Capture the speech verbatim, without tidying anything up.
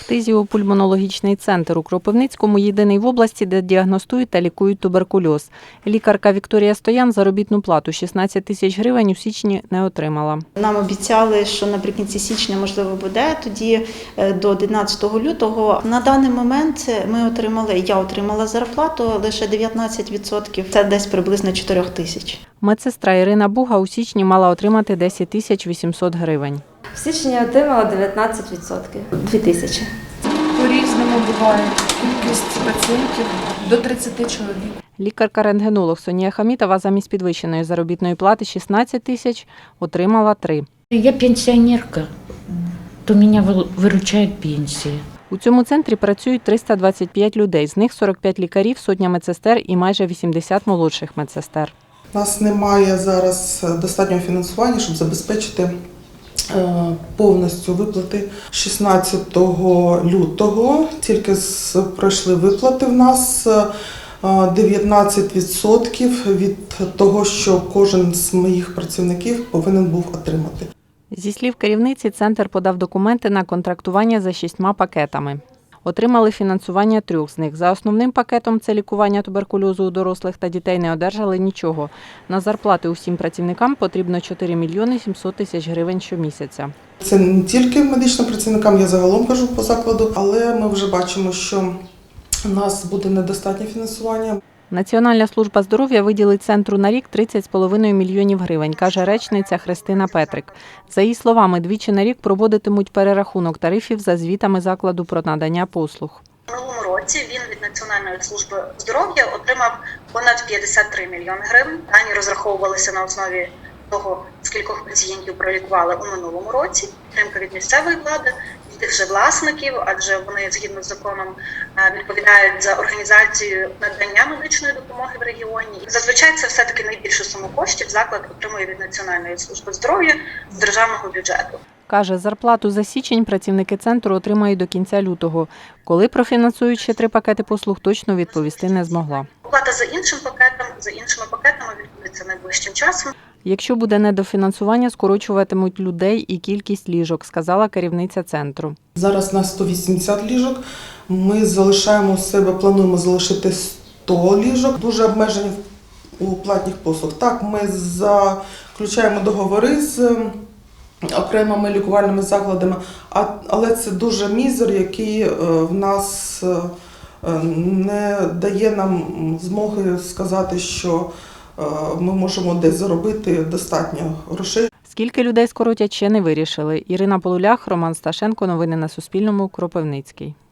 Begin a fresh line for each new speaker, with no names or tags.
Фтизіопульмонологічний центр у Кропивницькому – єдиний в області, де діагностують та лікують туберкульоз. Лікарка Вікторія Стоян заробітну плату шістнадцять тисяч гривень у січні не отримала.
Нам обіцяли, що наприкінці січня, можливо, буде, тоді до одинадцятого лютого. На даний момент ми отримали, я отримала зарплату лише дев'ятнадцять відсотків, це десь приблизно чотири тисячі.
Медсестра Ірина Буга у січні мала отримати десять тисяч вісімсот гривень.
В січні я отримала дев'ятнадцять відсотків – дві тисячі.
По-різному буває. Кількість пацієнтів до тридцяти чоловік.
Лікарка-рентгенолог Сонія Хамітова замість підвищеної заробітної плати шістнадцять тисяч отримала три.
Я пенсіонерка, то мене виручає пенсія.
У цьому центрі працюють триста двадцять п'ять людей, з них сорок п'ять лікарів, сотня медсестер і майже вісімдесят молодших медсестер.
У нас немає зараз достатнього фінансування, щоб забезпечити повністю виплати. шістнадцятого лютого тільки пройшли виплати в нас дев'ятнадцять відсотків від того, що кожен з моїх працівників повинен був отримати.
Зі слів керівниці, центр подав документи на контрактування за шістьма пакетами. Отримали фінансування трьох з них. За основним пакетом – це лікування туберкульозу у дорослих та дітей – не одержали нічого. На зарплати усім працівникам потрібно чотири мільйони сімсот тисяч гривень щомісяця.
Це не тільки медичним працівникам, я загалом кажу по закладу, але ми вже бачимо, що у нас буде недостатнє фінансування.
Національна служба здоров'я виділить центру на рік тридцять з половиною мільйонів гривень, каже речниця Христина Петрик. За її словами, двічі на рік проводитимуть перерахунок тарифів за звітами закладу про надання послуг.
У минулому році він від Національної служби здоров'я отримав понад п'ятдесят три мільйони гривень. Дані розраховувалися на основі того, скількох пацієнтів пролікували у минулому році. Підтримка від місцевої влади, від тих же власників, адже вони згідно з законом відповідають за організацію надання медичної допомоги в регіоні. Зазвичай це все-таки найбільшу суму коштів заклад отримує від Національної служби здоров'я з державного бюджету.
Каже, зарплату за січень працівники центру отримають до кінця лютого. Коли профінансують ще три пакети послуг, точно відповісти не змогла.
Оплата за іншим пакетом, за іншими пакетами відбудеться найближчим часом.
Якщо буде недофінансування, скорочуватимуть людей і кількість ліжок, сказала керівниця центру.
Зараз на сто вісімдесят ліжок. Ми залишаємо у себе, плануємо залишити сто ліжок. Дуже обмежені у платних послуг. Так, ми заключаємо договори з окремими лікувальними закладами, але це дуже мізер, який в нас не дає нам змоги сказати, що ми можемо десь заробити достатньо грошей.
Скільки людей скоротять, ще не вирішили. Ірина Полулях, Роман Сташенко. Новини на Суспільному. Кропивницький.